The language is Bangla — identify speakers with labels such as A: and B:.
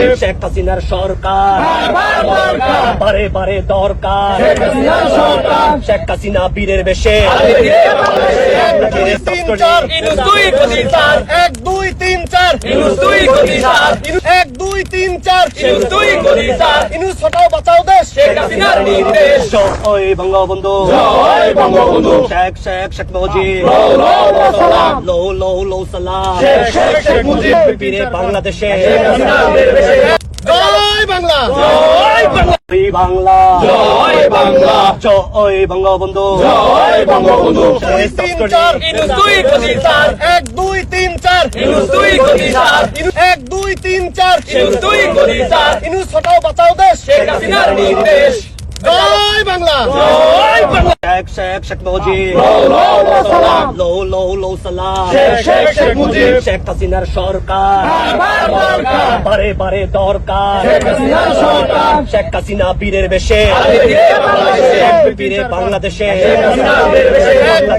A: শেখ হাসিনার সরকার বারে বারে দরকার। শেখ হাসিনা বীরের বেশে
B: 1 2 3 4 1 2 3 4 1 2 3 4 ইনুস হটাও বাঁচাও দেশ শেখ হাসিনার নির্দেশ।
A: জয় বঙ্গবন্ধু শেখ শেখ শেখ মুজিব লো লো লো সালাম
B: শেখ মুজিব
A: বীরে বাংলাদেশে
B: জয় বাংলা
A: জয় বাংলা
B: জয় বাংলা
A: জয় বঙ্গবন্ধু
B: 2 3 4 1 2 3 4 1 2 3 4 ইনুস হটাও বাঁচাও দেশ শেখ হাসিনার নির্দেশ। জয় বাংলা
A: শেখ শেখ শেখ মুজিব লো লো লো সালাম
B: শেখ মুজিব
A: শেখ হাসিনার সরকার বারে বারে দরকার। শেখ হাসিনা বীরের বেশে বীরে বাংলাদেশে